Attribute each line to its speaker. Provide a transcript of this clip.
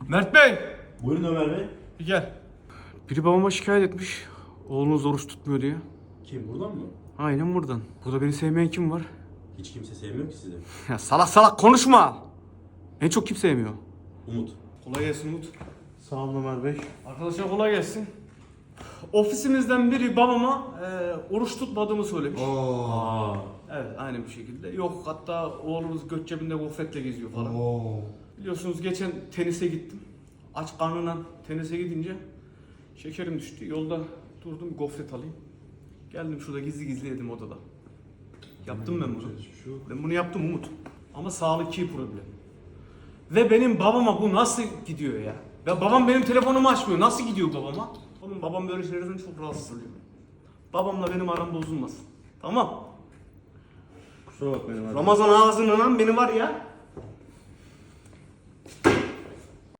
Speaker 1: Mert Bey!
Speaker 2: Buyurun Ömer Bey.
Speaker 1: Bir gel. Biri babama şikayet etmiş. Oğlunuz oruç tutmuyor diye.
Speaker 2: Kim, buradan mı?
Speaker 1: Aynen buradan. Burada beni sevmeyen kim var?
Speaker 2: Hiç kimse sevmiyor ki sizi.
Speaker 1: Ya salak salak konuşma! En çok kim sevmiyor?
Speaker 2: Umut.
Speaker 1: Kolay gelsin Umut.
Speaker 3: Sağ olun Ömer Bey.
Speaker 1: Arkadaşlar kolay gelsin. Ofisimizden biri babama oruç tutmadığımı söylemiş.
Speaker 2: Aa.
Speaker 1: Evet, aynı bir şekilde. Yok, hatta oğlumuz göt cebinde gofretle geziyor falan. Biliyorsunuz geçen tenise gittim. Aç karnına tenise gidince şekerim düştü. Yolda durdum, gofret alayım. Geldim şurada gizli gizli yedim odada. Yaptım ben bunu. Ben bunu yaptım Umut. Ama sağlıkçı problem. Ve benim babama bu nasıl gidiyor ya? Ya babam benim telefonumu açmıyor. Nasıl gidiyor babama? Oğlum babam böyle şeylerden çok rahatsız oluyor. Babamla benim aram bozulmasın. Tamam.
Speaker 3: Kusura bakmayın Ömer Bey.
Speaker 1: Ramazan ağzından beni var ya.